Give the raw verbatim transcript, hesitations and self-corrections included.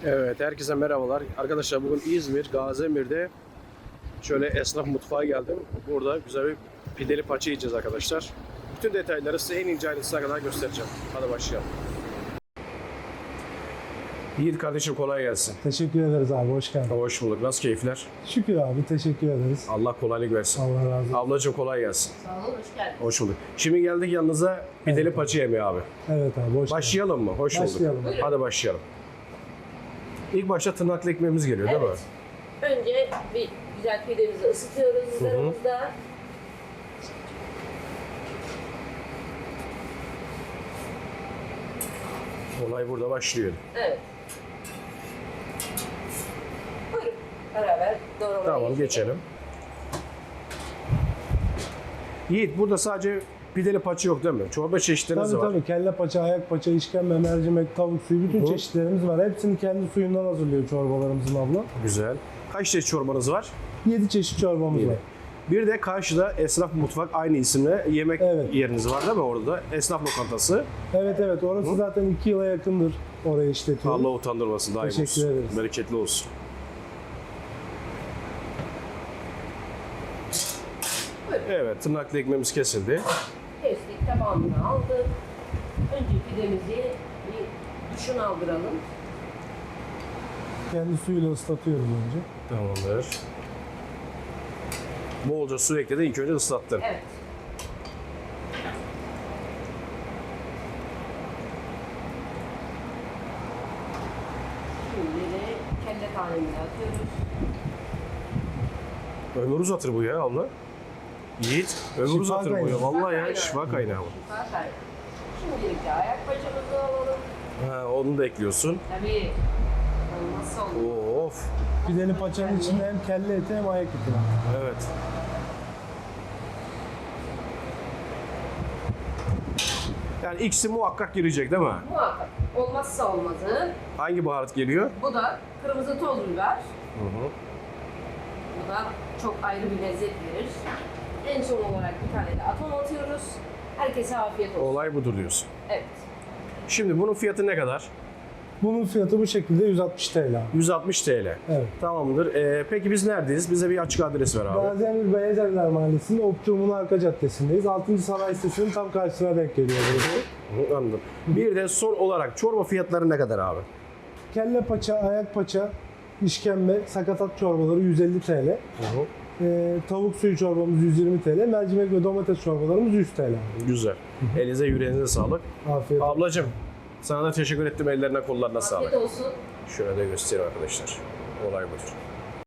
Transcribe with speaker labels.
Speaker 1: Evet, herkese merhabalar. Arkadaşlar bugün İzmir, Gaziemir'de şöyle esnaf mutfağa geldim. Burada güzel bir pideli paça yiyeceğiz arkadaşlar. Bütün detayları size en ince ayrıntısına kadar göstereceğim. Hadi başlayalım. Yiğit kardeşim kolay gelsin.
Speaker 2: Teşekkür ederiz abi, hoş geldin.
Speaker 1: Hoş bulduk. Nasıl keyifler?
Speaker 2: Şükür abi, teşekkür ederiz.
Speaker 1: Allah kolaylık versin.
Speaker 2: Allah razı olsun.
Speaker 1: Ablacığım kolay gelsin.
Speaker 3: Sağ olun, hoş geldiniz.
Speaker 1: Hoş bulduk. Şimdi geldik yanınıza pideli
Speaker 2: Evet.
Speaker 1: paça yemeği abi.
Speaker 2: Evet abi, hoş
Speaker 1: Başlayalım mı? Hoş
Speaker 2: Başlayalım.
Speaker 1: bulduk. Hadi başlayalım. İlk başta tırnaklı ekmeğimiz geliyor değil mi?
Speaker 3: Evet. Önce bir güzel pidemizi ısıtıyoruz ızgaramızda.
Speaker 1: Olay burada başlıyor.
Speaker 3: Evet. Buyurun, beraber doğramaya
Speaker 1: Tamam geçelim. Yiğit burada sadece pideli paça yok değil mi? Çorba çeşitleriniz
Speaker 2: Tabii
Speaker 1: var.
Speaker 2: tabii, kelle paça, ayak paça, işkembe, mercimek, tavuk suyu, bütün
Speaker 1: Hı.
Speaker 2: çeşitlerimiz var. Hepsini kendi suyundan hazırlıyor çorbalarımızın abla.
Speaker 1: Güzel. Kaç çeşit çorbanız var?
Speaker 2: yedi çeşit çorbamız
Speaker 1: Yedi.
Speaker 2: var.
Speaker 1: Bir de karşıda Esnaf Mutfak aynı isimle yemek
Speaker 2: Evet.
Speaker 1: yeriniz var değil mi orada da? Esnaf lokantası.
Speaker 2: Evet evet, orası
Speaker 1: Hı.
Speaker 2: zaten iki yıla yakındır orayı işletiyoruz.
Speaker 1: Allah utandırmasın, daim
Speaker 2: Teşekkür
Speaker 1: olsun.
Speaker 2: ederiz.
Speaker 1: Bereketli olsun.
Speaker 3: Buyurun.
Speaker 1: Evet, tırnaklı ekmeğimiz kesildi.
Speaker 3: Kestik, tamamını aldık. Önce pidemizi bir duşunu aldıralım.
Speaker 2: Kendi suyuyla ıslatıyoruz önce.
Speaker 1: Tamamdır. Bolca su ekledin, ilk önce ıslattın.
Speaker 3: Evet. Şimdi de kelle tanemini atıyoruz.
Speaker 1: Ömür uzatır bu ya abla. Yiğit, ömür
Speaker 2: Şifa
Speaker 1: uzatır bu ya.
Speaker 2: kaynağı.
Speaker 1: Vallahi ya,
Speaker 3: Şifa
Speaker 1: şifa kaynağı bu.
Speaker 3: Şifa kaynağı. Şimdilik de ayak paçamızı alalım.
Speaker 1: Ha, onu da ekliyorsun.
Speaker 3: Tabii. Olmazsa olmaz.
Speaker 1: Of.
Speaker 2: Pideli paçanın içinde hem kelle eti hem ayak eti var.
Speaker 1: Evet. Yani ikisi muhakkak girecek değil mi?
Speaker 3: Muhakkak. Olmazsa olmazı.
Speaker 1: Hangi baharat geliyor?
Speaker 3: Bu da kırmızı toz biber.
Speaker 1: Hı hı.
Speaker 3: Bu da çok ayrı bir lezzet verir. En son olarak bir tane de atom atıyoruz. Herkese afiyet olsun.
Speaker 1: Olay budur diyorsun.
Speaker 3: Evet.
Speaker 1: Şimdi bunun fiyatı ne kadar?
Speaker 2: Bunun fiyatı bu şekilde yüz altmış T L abi.
Speaker 1: yüz altmış TL.
Speaker 2: Evet.
Speaker 1: Tamamdır. Ee, peki biz neredeyiz? Bize bir açık adres ver abi.
Speaker 2: Gaziemir Beyazevler Mahallesi'nde Optimum'un arka caddesindeyiz. altıncı sanayi sitesinin tam karşısına denk geliyor burası.
Speaker 1: Hı, anladım. Bir de son olarak çorba fiyatları ne kadar abi?
Speaker 2: Kelle paça, ayak paça, işkembe, sakatat çorbaları yüz elli T L.
Speaker 1: Hı hı.
Speaker 2: Ee, tavuk suyu çorbamız yüz yirmi T L. Mercimek ve domates çorbalarımız yüz T L.
Speaker 1: Güzel. Elinize yüreğinize sağlık.
Speaker 2: Afiyet olsun.
Speaker 1: Ablacığım sana da teşekkür ettim. Ellerine kollarına sağlık.
Speaker 3: Afiyet olsun.
Speaker 1: Şöyle de göstereyim arkadaşlar. Olay budur.